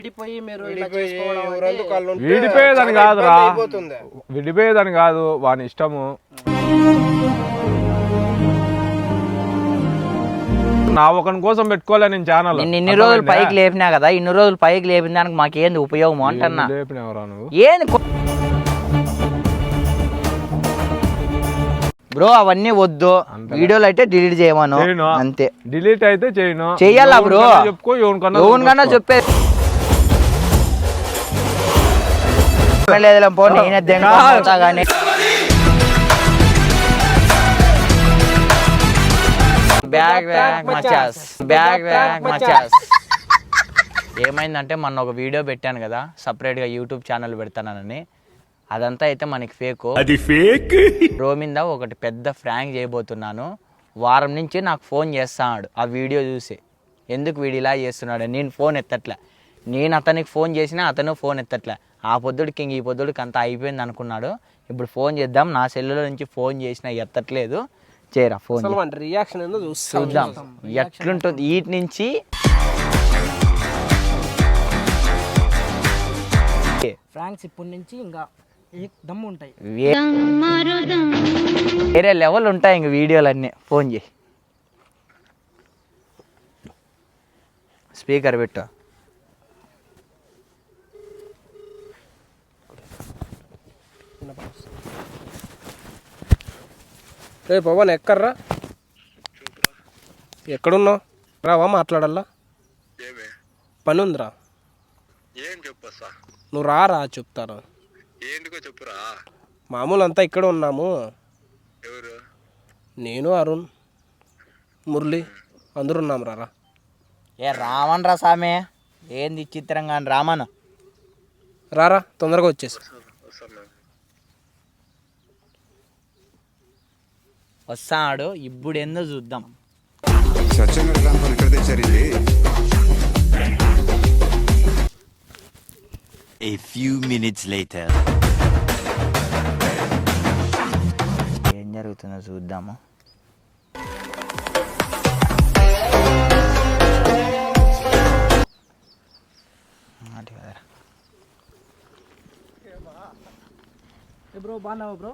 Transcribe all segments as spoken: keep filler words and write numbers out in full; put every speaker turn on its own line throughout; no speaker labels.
విడిపోయి మీరు ఇలా చేసుకోవడం
విడిపోయేదని కాదురా, విడిపోయేదని కాదు, వాని ఇష్టము. నా ఒకని కోసం పెట్టుకోలే నేను ఛానల్.
నేను ఇన్ని రోజులు పైకి లేపినా కదా, ఇన్ని రోజులు పైకి లేపిన దానికి మాకేంది ఉపయోగం అంటున్నా.
లేపినవరా నువ్వు?
ఏంది బ్రో, అవన్నీ వద్దు. వీడియోలు అయితే డిలీట్ చేయమను అంతే.
డిలీట్ అయితే చేయను,
చెయ్యాలా బ్రో?
చెప్పుకో,
ఎవరికన్నా చెప్పే లేదు పో, నేనే దేనికోసం కానీ. బ్యాగ్ బ్యాగ్ మచాస్, బ్యాగ్ బ్యాగ్ మచాస్. ఏమైందంటే మొన్న ఒక వీడియో పెట్టాను కదా సపరేట్గా యూట్యూబ్ ఛానల్ పెడతానని, అదంతా అయితే మనకి ఫేక్.
అది ఫేక్.
రోమింద ఒకటి పెద్ద ఫ్రాంక్ చేయబోతున్నాను. వారం నుంచి నాకు ఫోన్ చేస్తున్నాడు ఆ వీడియో చూసి, ఎందుకు వీడు ఇలా చేస్తున్నాడు. నేను ఫోన్ ఎత్తట్లే, నేను అతనికి ఫోన్ చేసినా అతను ఫోన్ ఎత్తట్లే. ఆ పొద్దుడికి ఇంక ఈ పొద్దుడికి అంతా అయిపోయింది అనుకున్నాడు. ఇప్పుడు ఫోన్ చేద్దాం, నా సెల్లులో నుంచి ఫోన్ చేసినా ఎత్తట్లేదు. చేయరా ఫోన్,
రియాక్షన్
చూద్దాం ఎట్లుంటుంది. వీటి నుంచి
ఫ్రాంక్స్ ఇప్పటి నుంచి ఇంకా దమ్ము ఉంటాయి,
వేరే లెవెల్ ఉంటాయి ఇంక వీడియోలన్నీ. ఫోన్ చేయి, స్పీకర్ పెట్టు.
రే పవన్ ఎక్కర్రా, ఎక్కడున్నావు? రావా మాట్లాడాలా, పని ఉందిరా.
ఏం చెప్పా?
నువ్వు రారా చెప్తాను.
ఏంటికో చెప్పురా.
మామూలు అంతా ఇక్కడ ఉన్నాము.
ఎవరు?
నేను, అరుణ్, మురళి అందరూ ఉన్నాం. రారా.
ఏ రామన్ రా సామే, ఏంది చిత్రంగా రామన్.
రారా తొందరగా వచ్చేసి.
వస్తాడు ఇప్పుడు, ఏందో చూద్దాం.
A few minutes later.
ఏం జరుగుతుందో చూద్దాము.
బ్రో బాగున్నావా బ్రో?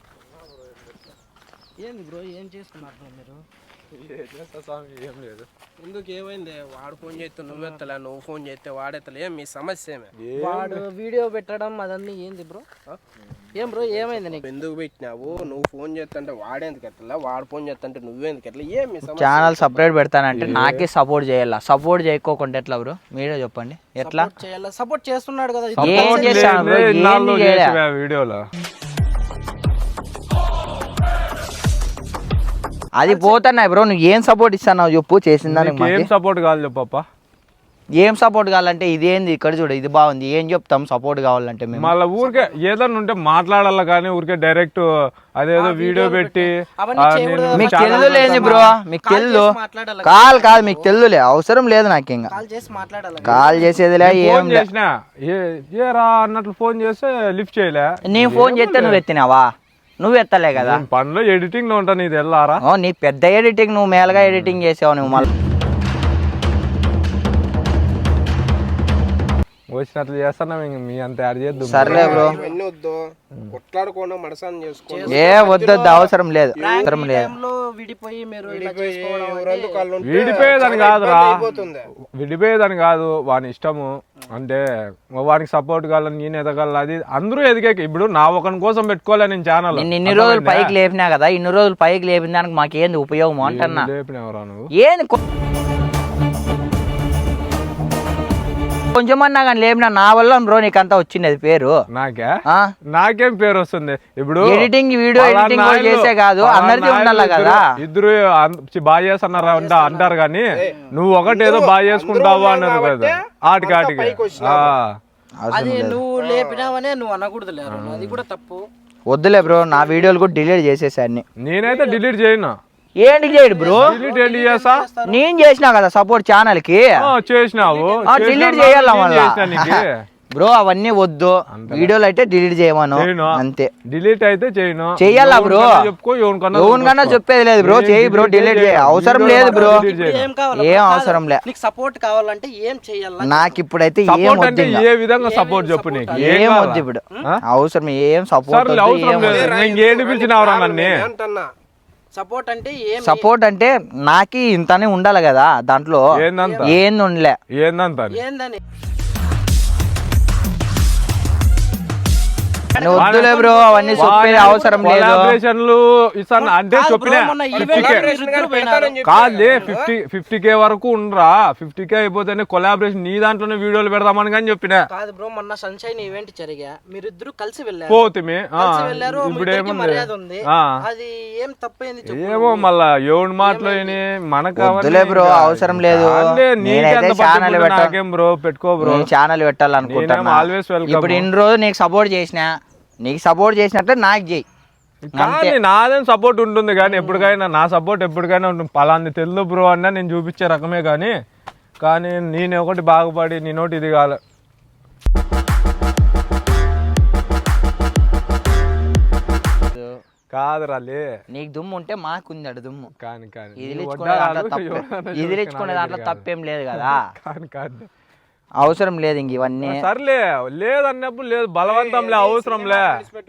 ఏంది బ్రో ఏం చేస్తున్నారు మీరు?
ఏం లేదు.
ఎందుకు ఏమైంది? వాడు ఫోన్ చేస్తే నువ్వు ఎత్తలే, నువ్వు ఫోన్ చేస్తే వాడెత్తలే. ఏం మీ సమస్య ఏమే? వాడు వీడియో పెట్టడం అదన్నీ ఏంది బ్రో? ఏం బ్రో ఏమైంది నీకు? ఎందుకు పెట్టినావు? నువ్వు ఫోన్ చేస్తుంటే వాడేందుకు ఎత్తలే, వాడు ఫోన్ చేస్తుంటే నువ్వేందుకు ఎట్లా? ఏం మీ సమస్య?
ఛానల్ సపరేట్ పెడతానంటే నాకే సపోర్ట్ చేయాలా? సపోర్ట్ చేయకోకుండా ఎట్లా బ్రో? మీరే చెప్పండి ఎట్లా
చేయాలా? సపోర్ట్ చేస్తున్నాడు కదా.
ఏం చేశాను
వీడియోలో?
అది పోతున్నాయి బ్రో, నువ్వు ఏం సపోర్ట్ ఇస్తున్నావు చెప్పు. చేసిన దానికి
ఏం సపోర్ట్ కావాలి చెప్పప్ప?
ఏం సపోర్ట్ కావాలంటే ఇదేంది ఇక్కడ చూడు, ఇది బాగుంది, ఏం చెప్తాం సపోర్ట్ కావాలంటే మేము?
మళ్ళీ ఊరికే ఏదన్నా ఉంటే మాట్లాడాలా కానీ ఊరికే డైరెక్ట్ అదేదో వీడియో పెట్టి
మీకు తెలుదు లేదు బ్రో, మీకు తెలుదు కాల్ కాదు, మీకు తెలుదులే, అవసరం లేదు నాకు. ఇంకా కాల్ చేసేదిలే. ఏం
చేసినా ఏ రా అన్నట్లు ఫోన్ చేస్తే లిఫ్ట్ చేయలే.
నీ ఫోన్ చేస్తే నువ్వు ఎత్తినావా? నువ్వు ఎత్తలే కదా.
పనిలో ఎడిటింగ్ లో ఉంటా, నీది వెళ్ళారా?
నీ పెద్ద ఎడిటింగ్, నువ్వు మేలుగా ఎడిటింగ్ చేసావు నువ్వు. మళ్ళీ
వచ్చినట్లు చేస్తున్నా, మీ అంత యాడ్ చేద్దాం.
సర్లే బ్రో,
కొట్లాడుకోవడం మనసాన్ని చేసుకో.
ఏ వద్దొద్దు, అవసరం లేదు, అవసరం లేదు.
విడిపోయేదని కాదురా, విడిపోయేదని కాదు, వాని ఇష్టము. అంటే వానికి సపోర్ట్ కావాలని నేను ఎదగాల, అది అందరూ ఎదిగే. ఇప్పుడు నా ఒకని కోసం పెట్టుకోలే నేను ఛానల్.
నేను ఇన్ని రోజులు పైకి లేపినా కదా, ఇన్ని రోజులు పైకి లేపిన దానికి మాకేంది ఉపయోగం అంటున్నా.
లేపినవరా నువ్వు?
ఏంది కొంచెమన్నా కానీ లేపినా నా వల్ల బ్రో నీకంతా వచ్చింది అది పేరు.
నాకే నాకేం పేరు వస్తుంది? ఇప్పుడు
ఎడిటింగ్ వీడియో ఎడిటింగ్ చేసే కాదు, అందరికీ ఉండాలి కదా.
ఇద్దరు బాగా చేస్తున్నారు అంటారు కానీ నువ్వు ఒకటి ఏదో బాగా చేసుకుంటావు అన్నారు కదా, ఆటికి ఆటికి.
అది నువ్వు లేపినావనే నువ్వు అనకూడదు, అది కూడా తప్పు.
వద్దులే బ్రో, నా వీడియోలు కూడా డిలీట్ చేసేసాన్ని.
నేనైతే డిలీట్ చేయను.
ఏంటి చేయడు బ్రో?
చేసా
నేను చేసినా కదా సపోర్ట్ ఛానల్ కి.
చేసినావు,
డిలీట్ చేయాలా? మళ్ళీ బ్రో అవన్నీ వద్దు, వీడియోలు అయితే డిలీట్ చేయమను అంతే.
డిలీట్ అయితే చేయను,
చెయ్యాలా బ్రో?
చెప్పుకో,
ఎవరికన్నా చెప్పేది లేదు బ్రో, చేయి బ్రో, డిలీట్ చేయ అవసరం లేదు బ్రో, ఏం అవసరం లే.
నీకు సపోర్ట్ కావాలంటే ఏం చేయాలి?
నాకు ఇప్పుడైతే ఏం వద్దు,
ఏ విధంగా సపోర్ట్ చెప్పు, నీకు
ఏం వద్దు ఇప్పుడు, అవసరం ఏం సపోర్ట్
ఏం పిలిచినవరా నన్ను?
సపోర్ట్ అంటే ఏం?
సపోర్ట్ అంటే నాకి ఇంతనే ఉండాలి కదా దాంట్లో, ఏంది ఉండలే.
ఏందంత
ఏందని
వద్దులే బ్రో, అవన్నీ చెప్పేది అవసరం లేదు.
కొలాబరేషన్లు ఇస్తాను అంటే చెప్పినా కాదులే, ఫిఫ్టీ ఫిఫ్టీ కే వరకు ఉండరా, ఫిఫ్టీ కే అయిపోతేనే కొలాబరేషన్ నీ దాంట్లోనే వీడియోలు పెడదామని కానీ చెప్పినా.
కాదు బ్రో, మొన్న సన్షైన్ ఈవెంట్ జరిగా, మీరిద్దరు కలిసి వెళ్ళారు,
పోతుమే
ఇప్పుడు మర్యాద ఉంది, అది ఏం తప్పైంది?
ఏమో మళ్ళా ఎవరి మాటలో మనకు
వద్దులే బ్రో, అవసరం లేదు. నేనైతే ఛానల్
నాకేం బ్రో, పెట్టుకో బ్రో,
ఛానల్ పెట్టాలనుకుంటున్నా.
Always welcome.
ఇప్పుడు ఇన్ని రోజులు నీకు సపోర్ట్ చేసిన, నీకు సపోర్ట్ చేసినట్టే నాకు చేయి.
కానీ నాదేం సపోర్ట్ ఉంటుంది కానీ ఎప్పటికైనా నా సపోర్ట్ ఎప్పటికైనా ఉంటుంది. పలాంది తెలుగు బ్రో అన్నా నేను చూపించే రకమే కానీ కానీ నేను ఒకటి బాగుపడి నేనోటి ఇది కాలే. కాదు రాలే,
నీకు దుమ్ము ఉంటే మాకుంది అడు దుమ్ము.
కానీ కానీ
ఇదిలించుకునే దాంట్లో తప్పేం లేదు కదా.
కానీ కాదు,
అవసరం లేదు ఇంక ఇవన్నీ.
సర్లే, లేదన్నప్పుడు లేదు, బలవంతంలే, అవసరంలే.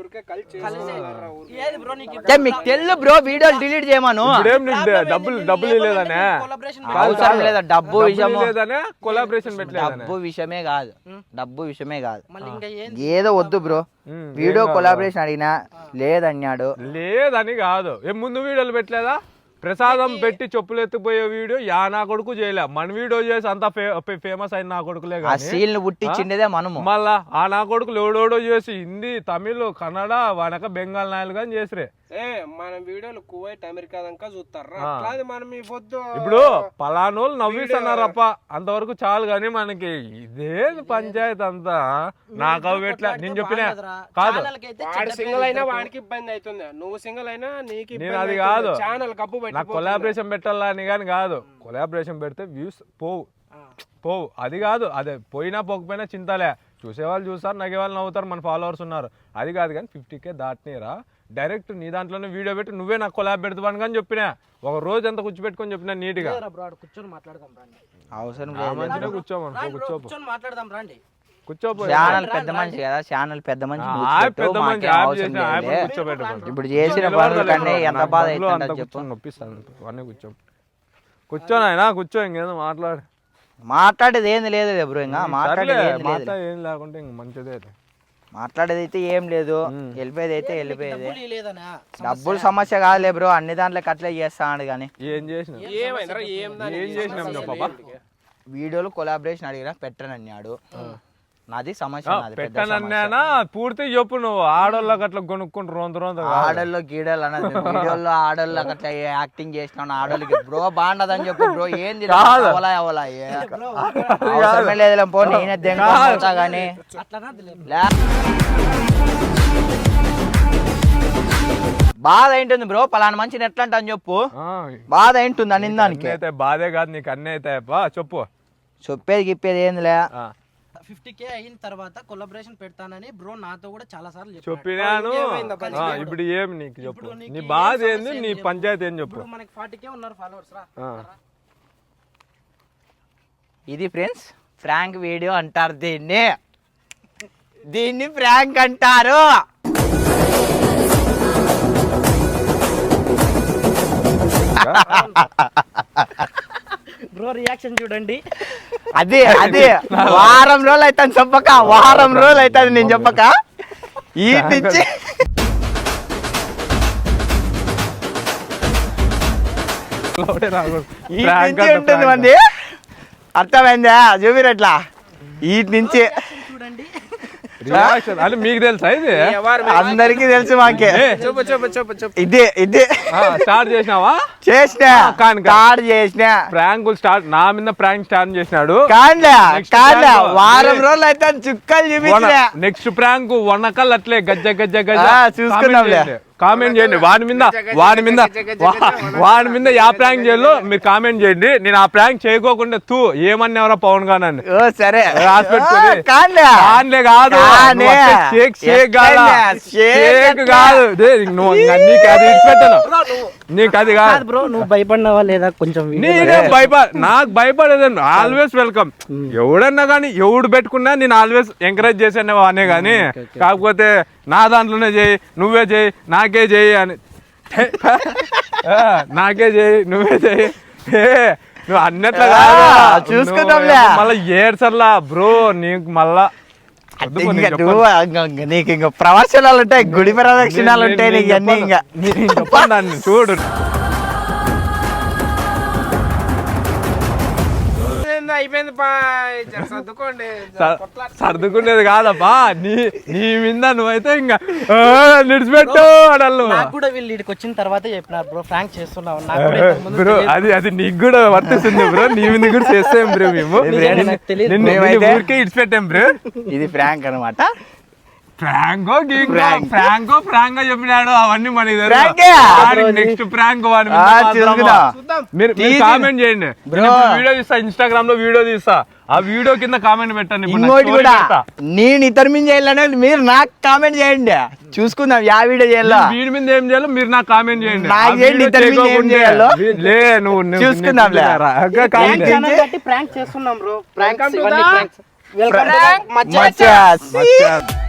మీకు తెల్లు బ్రో, వీడియోలు డిలీట్ చేయమను.
డబ్బులు డబ్బులు లేదనే,
అవసరం లేదా, డబ్బు విషయము
లేదనే కొలాబరేషన్ పెట్టలేదు.
డబ్బు విషయమే కాదు, డబ్బు విషయమే కాదు, ఏదో వద్దు బ్రో. వీడియో కొలాబరేషన్ అడిగినా లేదన్నాడు.
లేదని కాదు, ఏ ముందు వీడియోలు పెట్టలేదా? ప్రసాదం పెట్టి చెప్పులు ఎత్తిపోయే వీడియో యా నా కొడుకు చేయలే, మన వీడియో చేసి అంత ఫేమస్ అయిన నా కొడుకులే.
సీన్లు పుట్టించిండేదే మనము.
మళ్ళా ఆ నా కొడుకులు ఎవడోడో చేసి హిందీ, తమిళ్, కన్నడ, వానక బెంగాల్ నాయలు కానీ చేసిరే.
మన వీడియోలు కువైట్, అమెరికా దాకా చూస్తారా? మనం ఈ పొద్దు
ఇప్పుడు పలానోళ్ళు నవ్విస్తున్నారప్ప, అంతవరకు చాలు కానీ మనకి ఇదే పంచాయతీ అంతా. నాకు అవి ఎట్లా నేను చెప్పినా కాదు,
సింగిల్ అయినా వాడికి ఇబ్బంది అవుతుంది, నువ్వు సింగిల్ అయినా నీకు
నేను అది కాదు,
ఛానల్ కప్పు
నాకు కొలాబరేషన్ పెట్టాలా అని కానీ కాదు. కొలాబరేషన్ పెడితే వ్యూస్ పోవు పోవు అది కాదు, అదే పోయినా పోకపోయినా చింతలే, చూసేవాళ్ళు చూస్తారు, నగేవాళ్ళు నవ్వుతారు, మన ఫాలోవర్స్ ఉన్నారు, అది కాదు. కానీ ఫిఫ్టీ కే దాటినీరా, డైరెక్ట్ నీ దాంట్లోనే వీడియో పెట్టి నువ్వే నాకు కొలాబ్ పెడతాను కానీ చెప్పినా, ఒక రోజు అంతా కూర్చోబెట్టుకొని చెప్పినా నీట్ గా.
కూర్చొని మాట్లాడదాం రండి,
అవసరం
మంచిగా కూర్చోమను, కూర్చోపో,
మాట్లాడదాం రండి,
కూర్చోపో.
ఛానల్ పెద్ద మనిషి కదా, ఛానల్ పెద్ద మనిషి. ఇప్పుడు చేసిన పనుల కన్నా ఎంత బాధ అవుతుందో చెప్పు.
నొప్పిస్తాను, అన్నీ కూర్చో, కూర్చోను ఆయన కూర్చో, ఇంకేదో మాట్లాడు.
మాట్లాడేది ఏంది లేదు బ్రో, ఇంకా మాట్లాడేది
ఏం లేకుంటే ఇంక మంచిదే.
మాట్లాడేది అయితే ఏం లేదు, వెళ్ళిపోయేది అయితే వెళ్ళిపోయేది. డబ్బులు సమస్య కాదులే బ్రో, అన్ని దాంట్లోకి అట్లే చేస్తాడు. కానీ
ఏం చేసిన ఏం చేసినాం,
వీడియోలు కొలాబరేషన్ అడిగినా పెట్టనన్నాడు, నాది సమస్య.
పెట్టనన్నా పూర్తి చెప్పు, నువ్వు ఆడోళ్ళకి అట్లా కొనుక్కుంటు రొంత రొంత
ఆడోళ్ళు గీడోళ్ళు అన్నది, వీడియోలో ఆడోళ్ళకి అట్లా యాక్టింగ్ చేసినావు ఆడోళ్ళకి బ్రో బాగుండదని చెప్పు బ్రో. ఏంది అవలా అవలా అవసరమే లేదులే పో, నేనే దేనికోతా గానీ. బాధ ఏంటుంది బ్రో, పలానా మంచిని ఎట్లా అంట అని చెప్పు. బాధ ఏంటుంది అని దానికి
అయితే బాధే కాదు, నీకు అన్నీ అయితే చెప్పు.
చెప్పేది గిప్పేది ఏందిలే.
ఫిఫ్టీ కే అయిన తర్వాత కొలాబరేషన్ పెడతానని బ్రో నాతో కూడా చాలా సార్లు
చెప్పినాను. ఇప్పుడు ఏమి నీకు చెప్పు, నీ బాధ ఏంది, నీ పంచాయతీ ఏం చెప్పు.
మనకి ఫార్టీ కే ఉన్నారు ఫాలోవర్స్ రా.
ఇది ఫ్రెండ్స్ ఫ్రాంక్ వీడియో అంటారు దీన్ని, దీన్ని ఫ్రాంక్ అంటారు.
బ్రో రియాక్షన్ చూడండి.
అదే అదే వారం రోజులు అవుతుంది చెప్పక, వారం రోజులు అవుతుంది నేను చెప్పక. ఈ నుంచి ఉంటుంది మంది, అర్థమైందా? చూపిరట్లా ఈ నుంచి
అంటే మీకు తెలుసా ఇది?
అందరికి తెలుసు మాకే. ఇదే ఇదే
స్టార్ట్ చేసినావా?
చేసినా స్టార్ట్ చేసినా
ప్రాంకులు స్టార్ట్, నా మీద ప్రాంక్ స్టార్ట్ చేసినాడు.
కాండా కాండా వారం రోజులు అయితే చుక్కలు చూపించా.
నెక్స్ట్ ప్రాంక్ వనకల్ అట్లే గజ్జ గజ్జ గజ్జ
చూసుకున్నాంలే.
కామెంట్ చేయండి వాడి మీద వాడి మీద వా- వాడి మీద యా ప్రాంక్ చేయాలో మీరు కామెంట్ చేయండి. నేను ఆ ప్రాంక్ చేయకోకుండా తూ ఏమన్నా ఎవరో పవన్ గానని
ఓ సరే
రాసి పెట్టుకొని
ఓ, కాదులే.
కాదులే కాదు
కానే.
నువ్వు అట్టే షేక్ షేక్ కాదా
ఎట్లయినా? షేక్
షేక్
ఎట్లా?
కాదు దే, నువ్వు ఇంకా నీకు అది ఇచ్చిపెట్టాను నీకు అది కాదు
కాదు బ్రో నువ్వు భయపడినావా లేదా కొంచెం video
నేనే భయపడ నాకు భయపడేదండి ఆల్వేస్ వెల్కమ్ ఎవడన్నా కానీ ఎవడు పెట్టుకున్నా నేను ఆల్వేస్ ఎంకరేజ్ చేసాను అనే కానీ కాకపోతే నా దాంట్లోనే చేయి నువ్వే చేయి నాకే చేయి అని ఆ, నాకే చేయి నువ్వే చేయి ఏ, నువ్వు అన్నట్లు కాదు
ఆ, చూసుకుందాంలే.
నువ్వు మళ్ళా ఏడ్చర్లా బ్రో నీకు మళ్ళా వద్దు పో, నేను
ఇంకా
చెప్పను.
నువ్వు ఇంక- నీకు ఇంకా ప్రవచనాలు ఉంటాయి గుడి ప్రదక్షిణాలు
నేను-
ఉంటాయి
నేను
నీకు అన్ని
చెప్పను.
ఇంకా
నేను చెప్పను దాన్ని చూడు
ఏందో అయిపోయింది పా జర సర్దుకోండి జర
స-
కొట్లాట.
సర్దుకునేది కాదప్పా నీ నీ మీద నువ్వైతే ఇంకా "ఆ, నిడిచిపెట్టు అడాలి నువ్వు
నాకు కూడా వీళ్ళు ఇక్కడికి వచ్చిన తర్వాత చెప్పినారు బ్రో ఫ్రాంక్ చేస్తున్నావు నాకు కూడా ఇంతకు ముందు
బ్రో
తెలియదు.
అది అది నీకు కూడా వర్తిస్తుంది బ్రో నీ మీద కూడా చేస్తాం బ్రో మేము
నిజంగా నాకు తెలియదు.
నిన్ను- నిన్ను
మేమైతే-
ఊరికే ఇడిచిపెట్టాం బ్రో
ఇది ఫ్రాంక్ అనమాట
ఫ్రాంకో గీంకో
Prank.
ఫ్రాంకో ఫ్రాంక్ చెప్పినాడు అవన్నీ మనకి
Prank ఏ?
నెక్స్ట్ ఫ్రాంక్ వాడి
ఆ, చూసుకుందాం.
మీరు
తీసి-
కామెంట్ చేయండి
Bro.
నేను ఇప్పుడు వీడియో తీస్తా ఇన్స్టాగ్రామ్ లో వీడియో తీస్తా ఆ వీడియో కింద కామెంట్ పెట్టండి ఇప్పుడు నా
ఇంకోటి
story
కూడా
పెడతా.
నేను ఇతర మీద చేయాలనే మీరు నాకు కామెంట్ చేయండి చూసుకుందాం యా వీడియో చేయాలో
నేను వీడి మీద ఏం చేయాలో మీరు నాకు కామెంట్ చేయండి
నాకు
ఆ
చేయండి,
వీడియో
ఇతని మీద ఏం
చేయకోకుంటే
చేయాలో?
వీ- లే నువ్వు నువ్వు-
చూసుకుందాంలే.
నువ్వు రా. అక్క
Prank
కామెంట్
channel కట్టి prank చేస్తున్నాం బ్రో ప్రాంక్స్
Welcome to
ఇవన్నీ
the-
pranks. Welcome to the మచ్చా
మచ్చా.
మచ్చా.